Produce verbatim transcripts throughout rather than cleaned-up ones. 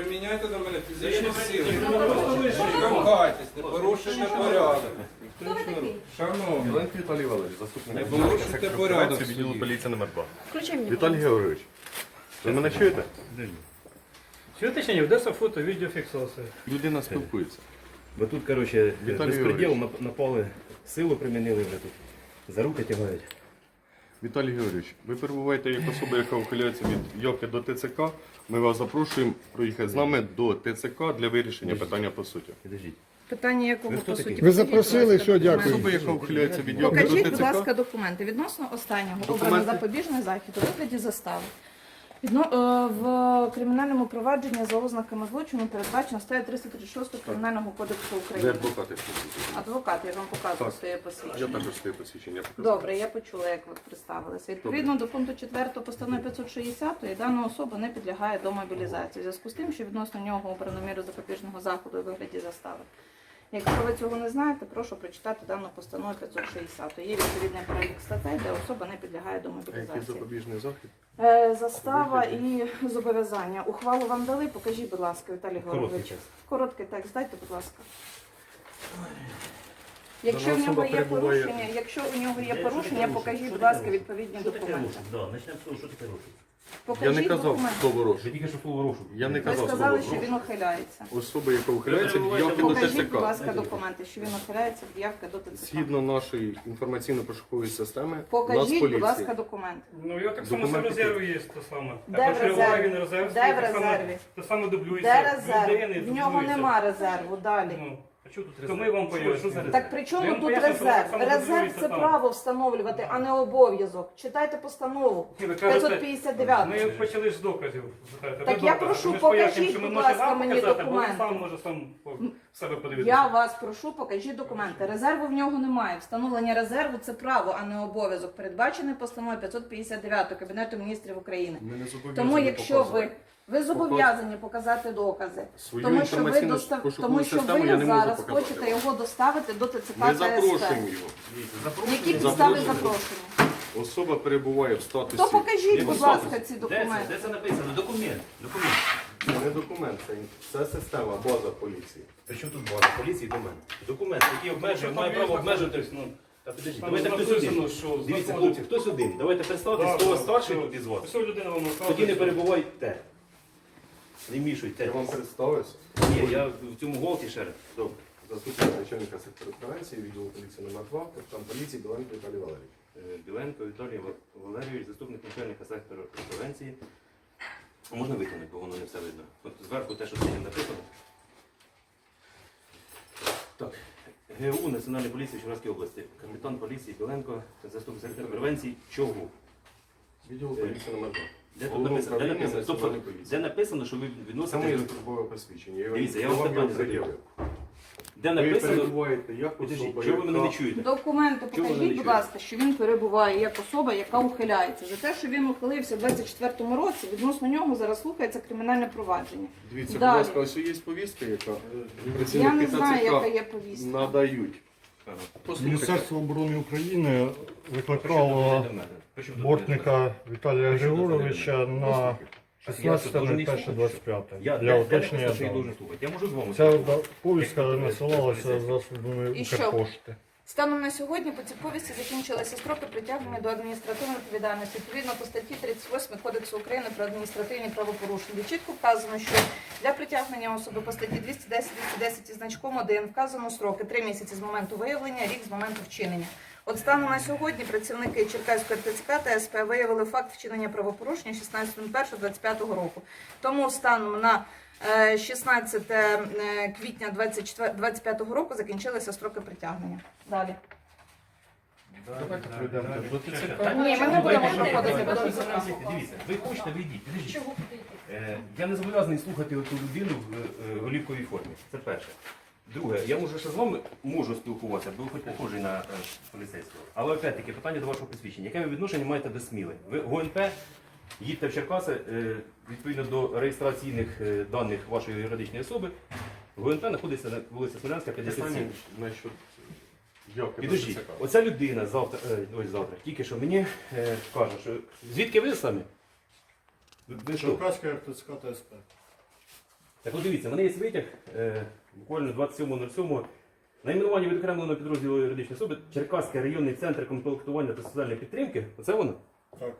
приміняйте до мене фізичні сили. Не штовхайтесь, не порушуйте порядок. Хто ви такий? Шановні, Ленко Віталій Валерійович, заступник не начальника порушуйте сектору порядок. превенції відділу поліції номер два. Включи мені. Віталій Георгійович, ви мене чуєте? Сьогодні ведеться фото, відеофіксація. Людина спілкується. Бо тут, коротше, Віталій безпреділ, Георгійович. нап- напали, силу примінили вже тут. За руки тягають. Віталій Георгійович, ви перебуваєте як особа, яка ухиляється від Йоки до ТЦК. Ми вас запрошуємо проїхати з нами до ТЦК для вирішення питання по суті. Підождіть. Питання якого Ви хто по такий? суті? Ви запросили, Покажіть, що, будь ласка, дякую. Особа, яка ухиляється від Йоки до Покажіть, будь ТЦК. ласка, документи відносно останнього Документи? обрано запобіжний захід у вигляді застави. Відно, е, в кримінальному провадженні за ознаками злочину передбачено стаття триста тридцять шість Кримінального кодексу Ви України. адвокати. Адвокат, я вам показую Так. своє Я посвідчення. також своє посвідчення показав. Добре, я почула, як ви представилися. Відповідно до пункту четвертого постанови п'ятсот шістдесят, дана особа не підлягає до мобілізації. У зв'язку з тим, що відносно нього обрано міру запобіжного заходу у вигляді застави. Якщо ви цього не знаєте, прошу прочитати дану постанову п'ятсот шістдесят. Є відповідний перелік статей, де особа не підлягає до А який мобілізації. запобіжний захід? Е, Застава і зобов'язання. Ухвалу вам дали, покажіть, будь ласка, Віталій Короткий Георгійович. текст. Короткий текст, дайте, будь ласка. Якщо Дана в нього особа є перебуває- порушення, якщо у нього є Де- порушення, що таке покажіть, рушить? будь Що ласка, таке відповідні Що таке документи. рушить? Да, почнемо з того, що таке рушить. Я Покажіть не казав документи. слово Ви розшук. тільки що слово рушить. Я не Ви казав сказали, слово що він ухиляється. Особа, яка ухиляється від Йоки до Покажіть, будь ТЦК. ласка, документи, що він ухиляється від явки до ТЦК. Згідно нашої інформаційно-пошукової системи, нас Покажіть, будь ласка, поліція. документи. Ну, я так само Документи в резерві є те саме. Де Я в почуваю, резерві? він резерв, Де стоїть, в те саме- резерві? Те саме дублюється. Де резерв? Людини В нього дублюється. нема резерву. Далі. Ну, А чого тут то ми вам пояснюємо. Так при Я чому вам тут поясню, що резерв? так само Резерв дублюється це там. право встановлювати, а не обов'язок. Читайте постанову Ні, ви кажете, п'ятсот п'ятдесят дев'ять. Ми почали з доказів. звертати. Так Ви я докази. прошу, Ми ж покажіть, пояснюємо, що ми будь можемо ласка, вам мені показати, бо документи. він сам може сам по себе подивитися. Я вас прошу, покажіть документи. Резерву в нього немає. Встановлення резерву це право, а не обов'язок. Передбачений постановою п'ятсот п'ятдесят дев'ять Кабінету міністрів України. Ми не зобов'язані Тому якщо ви показувати. ви зобов'язані показати докази, Свою тому що ви інформаційну достав... пошукову тому що систему я ви не можу зараз показати. хочете його доставити до ТЦК Ми та СП. запрошуємо його. Які підстави Запрошуємо. запрошення? Особа перебуває в статусі. То покажіть, Ні, будь ну, ласка, статус. ці Де це? документи. Де це написано? Документ. Документ. Це не документ, це, це система, база поліції. При чому тут база поліції до мене? Документ, який обмежує, має право обмежувати. Ну, та підождіть, Там давайте хтось написано, один. що Дивіться, знаходиться- хлопці, хтось один. Давайте представтесь, хто у вас старший тут із вас. Все, людина вам Тоді не розказує. перебувайте. Не мішуйте. Я вам представився. Ні, я в цьому голті ще раз. Добре. Заступник начальника сектору превенції, відділу поліції номер два, капітан поліції Біленко Віталій Валерійович. Е, Біленко Віталій Валерійович, заступник начальника сектору превенції. А можна витягнути, бо воно не все видно. От зверху те, що сьогодні написано. Так. ГУ Національної поліції Черкаської області. Капітан поліції Біленко, заступник сектору превенції. Чого? Відділу поліції номер два. Де тут Головного написано? Де управління написано? Тобто, Національної поліції. де написано, що ви Це відносите? моє службове посвідчення. Дивіться, я вам вам його питання задаю. пред'явив. Де Ви написано? перебуваєте як Підождіть, особа, чого ви мене не яка- чуєте? Документи Чого ви не покажіть, будь чуєте? ласка, що він перебуває як особа, яка ухиляється. За те, що він ухилився в двадцять четвертому році, відносно нього зараз слухається кримінальне провадження. Дивіться, будь Далі. ласка, ось є повістка, яка Я працівники не знаю, яка ТЦК є повістка. надають. Міністерство оборони України викликало Причому тут бортника Віталія Причому тут Григоровича на шістнадцяте перше двадцять п'яте Я, для я, я уточнення написав, що я даних. должен слухати. Я можу з вами Ця спілкуватися? повістка насилалася засобами І що? Укрпошти. Станом на сьогодні по цій повісті закінчилися строки притягнення до адміністративної відповідальності. Відповідно по статті тридцять восьмій Кодексу України про адміністративні правопорушення, де чітко вказано, що для притягнення особи по статті двісті десять двісті десять із значком один вказано строки три місяці з моменту виявлення, рік з моменту вчинення. От станом на сьогодні працівники Черкаської ТЦК та СП виявили факт вчинення правопорушення шістнадцятого першого двадцять п'ятого року. Тому станом на е, шістнадцяте квітня двадцять п'ятого року закінчилися строки притягнення. Далі. Давайте пройдемо до ТЦК. Ні, ми не будемо проходити до Дивіться, ТЦК. Дивіться, ви хочете, ви йдіть. Підождіть. Е, Я не зобов'язаний слухати ту людину в е, голівковій формі. Це перше. Друге, я можу ще з вами можу спілкуватися, бо ви хоч похожий на е, поліцейського. Але опять-таки питання до вашого посвідчення. Яке ви відношення маєте до Сміли? Ви ГУНП, їдьте в Черкаси, е, відповідно до реєстраційних е, даних вашої юридичної особи. ГУНП знаходиться на вулиці Смілянська, п'ятдесят сім. Питання насчет Йоки до Підождіть, ТЦК. оця людина завтра, е, ось завтра, тільки що мені е, каже, що звідки ви самі? Ви, ви що? Черкаська РТЦК та СП. Так от дивіться, в мене є витяг, е, буквально двадцять сьомого сьомого. Найменування відокремленого підрозділу юридичної особи Черкаський районний центр комплектування та соціальної підтримки. Оце воно? Так.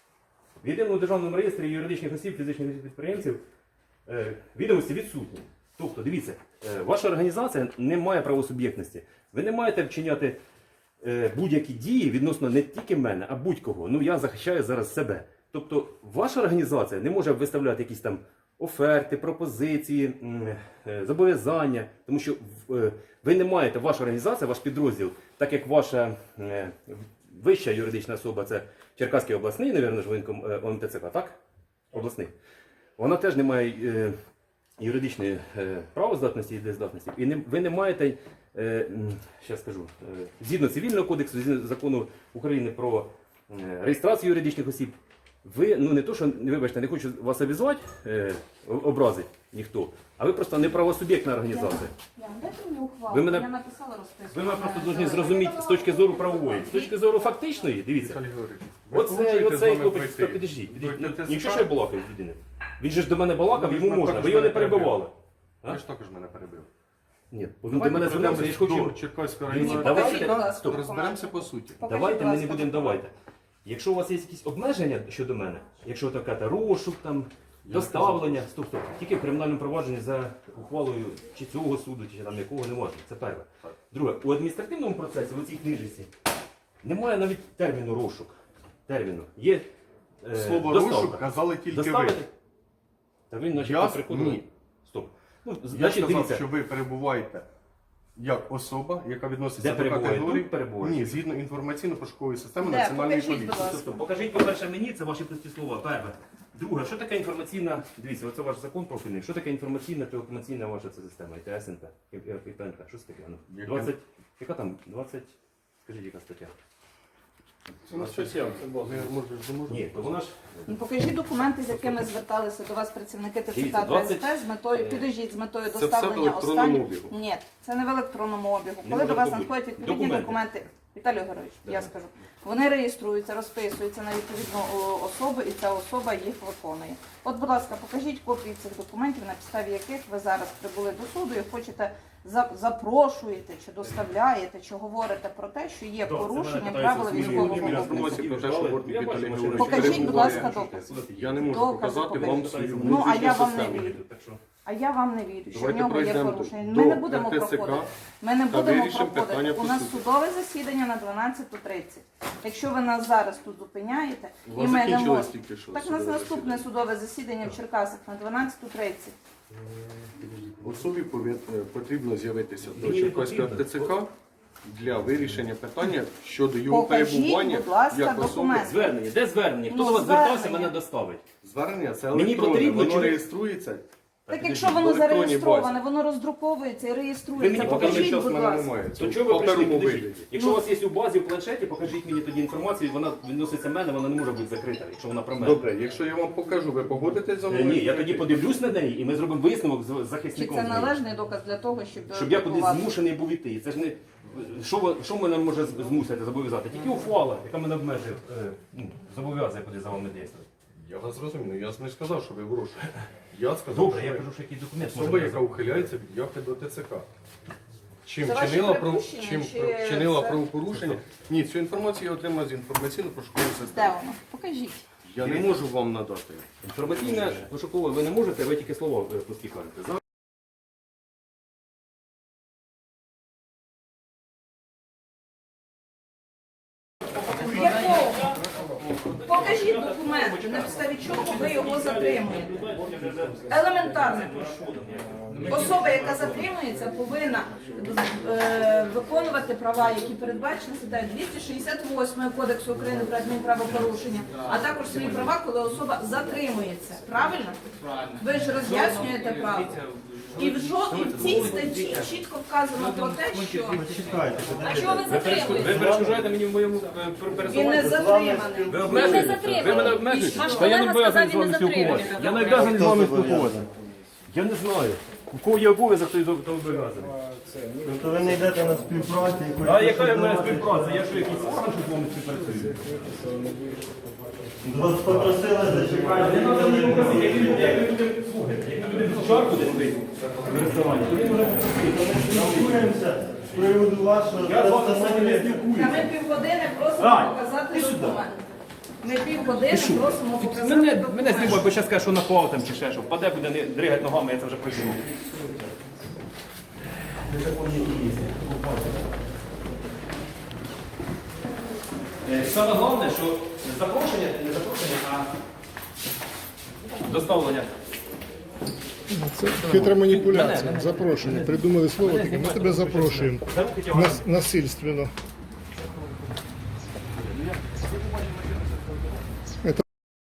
В єдиному державному реєстрі юридичних осіб, фізичних осіб підприємців е, відомості відсутні. Тобто, дивіться, е, ваша організація не має правосуб'єктності. Ви не маєте вчиняти е, будь-які дії відносно не тільки мене, а будь-кого. Ну я захищаю зараз себе. Тобто, ваша організація не може виставляти якісь там оферти, пропозиції, м, е, зобов'язання, тому що е, ви не маєте, ваша організація, ваш підрозділ, так як ваша е, вища юридична особа, це Черкаський обласний, навірно, ж воєнком е, О М Т Ц К, так? Обласний. Вона теж не має е, юридичної е, правоздатності і дездатності. І не, ви не маєте, е, ще скажу, е, згідно цивільного кодексу, згідно закону України про е, реєстрацію юридичних осіб, ви, ну не то, що, вибачте, не хочу вас обізвати, е, образити ніхто, а ви просто не правосуб'єктна організація. Ян, дайте мені ухвалу. Ви мене- Я написала розписку. Ви мене просто повинні зрозуміти з точки зору правової. З точки зору фактичної, дивіться. Віталій Георгійович, ви Оце, погоджуєтесь з оцей нами хлопець, пройти? підождіть, підождіть. До Ну, ТЦК? Якщо що я балакаю з людини. Він же ж до мене балакав, Ви ж йому можна, також ви його не мене перебили. перебивали. Ви ж також мене перебив. Ні, бо він до мене Давайте звернувся, я ж пройдемо хочу. до Черкаського Дивіться, районного давайте, ТЦК, будь ласка, розберемося по суті. Покажіть, Давайте будь ми не ласка, будемо документи. давайте. Якщо у вас є якісь обмеження щодо мене, якщо ви така розшук, там, доставлення, стоп, стоп, тільки в кримінальному провадженні за ухвалою чи цього суду, чи там якого не можна. Це перше. Друге, у адміністративному процесі, в цій книжці, немає навіть терміну розшук. Терміну. Є е, Слово доставка. розшук казали тільки ви. Доставити? Та він наче Я- приходив. ні. Стоп. Ну, Я значить, сказав, дивіться. що ви перебуваєте як особа, яка відноситься Де до перебуваєте? категорії. Тут перебуваєте? Ні, згідно інформаційно-пошукової системи Де? Національної Покажіть, будь поліції. ласка. Тобто, покажіть, по-перше, мені, це ваші прості слова. Перше. Друге, що таке інформаційна, дивіться, оце ваш закон профільний, що таке інформаційна телекомунікаційна ваша ця система, І Т С Н П, І П Н П, що це таке? Ну, Яке? двадцять, яка там, двадцять, скажіть, яка стаття? Це на що сім? Ні, то вона ж, Ну, покажіть документи, з якими зверталися до вас працівники Т Ц Дивіться, К двадцять Та С П з метою, підождіть, з метою Це все в доставлення електронному останніх. обігу. Ні, це не в електронному обігу. Не Коли може до вас бути. надходять відповідні Документи. документи, Віталій Георгійович, я Давай. скажу, вони реєструються, розписуються на відповідну о, особу, і ця особа їх виконує. От, будь ласка, покажіть копії цих документів, на підставі яких ви зараз прибули до суду і хочете за- запрошуєте чи доставляєте, чи говорите про те, що є Так, це порушення мене правил питається військового Зміни обліку. інформації про те, що Бортник Я бачу, Віталій машина. Георгійович Покажіть, будь ласка, перебуває. докази. Я не можу Докази показати покажіть. вам свою Ну, а юридичну я вам не систему. вірю. Так що, А я вам не вірю, що в Давайте нього є пройдемо порушення. до Ми не будемо Р Т Ц К проходити. Ми не та будемо вирішимо питання проходити. по У нас суті. судове засідання на дванадцяту тридцять. Якщо ви нас зараз тут зупиняєте, У і вас ми не закінчилось можемо. тільки що Так у нас судове наступне засідання. судове засідання в Черкасах на дванадцяту тридцять. Особі повин- е, потрібно з'явитися до Мені не Черкаського потрібно. Т Ц К для вирішення питання щодо його Покажіть, перебування будь ласка, як особи. документи. звернення, де звернення? Хто Ну, до вас звертався, звернення. мене доставить. Звернення це Мені електронне, потрібно, воно чи ви- реєструється. Так підождіть, якщо в воно електронній зареєстроване, базі. воно роздруковується і Ви реєструється. мені На даний Покажіть, час будь мене ласка. немає. Це То в чого ви прийшли? паперовому Підождіть. вигляді. Якщо Ну. у вас є у базі, в планшеті, покажіть мені тоді інформацію, вона відноситься мене, вона не може бути закрита, якщо вона про мене. Добре, якщо я вам покажу, ви погодитесь за Е, мною? Ні, я тоді подивлюсь на неї і ми зробимо висновок з з Чи захисником. це з нею. належний доказ для того, щоб Щоб я кудись блокувати? змушений був іти. Це ж не що, ви- що мене може з- змусити зобов'язати? Тільки ухвала, яка мене обмежує, е, ну, зобов'язує куди за вами дійсно. Я вас зрозумів, я ж не сказав, що ви в розшуку. Я сказав, Добре, що я ви кажу, що який документ особа, може яка бути. ухиляється від явки до Т Ц К. Чим Це ваші чинила, про... припущення, Чим чи про- чинила це- правопорушення? Ні, цю інформацію я отримав з інформаційно-пошукової Де системи. воно? Покажіть. Я не можу вам надати. Інформаційне пошукове ви не можете, ви тільки слово е, пусті кажете. За- Якого? Покажіть документи, на підставі чого ви його затримуєте. Елементарно. Особа, яка затримується, повинна е, виконувати права, які передбачені статтею двісті шістдесят восьмою Кодексу України про адмінправопорушення, а також свої права, коли особа затримується. Правильно? Ви ж роз'яснюєте право. І в, жо... і в цій статті чітко вказано про те, що А чого ви Ви затримуєте? перешкоджаєте мені в моєму е, він пересуванні. не затриманий. Ви Ви обмежуєте? не затримані. Ви мене обмежуєте? Ваш Та я не колега обов'язаний з сказав, вами він не спілкуватися. затриманий. Я не обов'язаний з вами спілкуватися. Я не знаю. У кого є обов'язок, той зобов'язаний. Тобто ви не йдете на співпрацю? А яка в мене співпраця? Я що якийсь орган, що з вами співпрацюю? Вас попросили зачекати. Не треба мені показати, як люди, як люди, слухайте, як люди в чарку десь пить в ресторані, то він може попросити. Спілкуємося з приводу вашого Я з вами самі не Та спілкуюся. ми півгодини просимо Рай, показати ти сюди. документ. Ми півгодини просимо показати Мене, мене документ. знімає, бо зараз скаже, що напав там чи ще що. Впаде, буде не дригати ногами, я це вже придумав. Е, Саме головне, що запрошення, не запрошення, а доставлення. Хитра маніпуляція. Запрошення. Придумали слово таке. Ми тебе запрошуємо. Нас- Насильственно. Это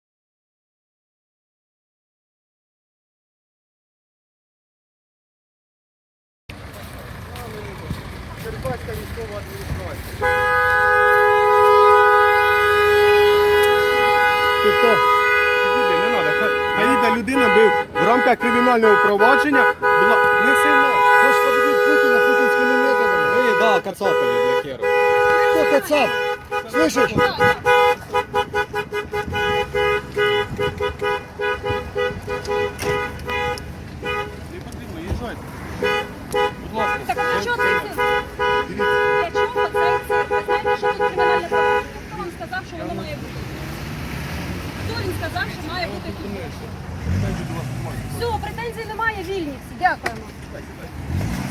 Ти хто? Не треба. Хай йде людина бив в рамках кримінального провадження. Була не сильно. Хочеш победить Путина путинскими методами? Ви, да, кацапелі для хера. Кто кацап? Слышишь? Так для чого це? Для чого цей цирк? Ви знаєте, що тут кримінальне право? Хто вам сказав, що воно має бути? Хто він сказав, що має бути тут? Все, претензій немає, вільні всі. Дякуємо.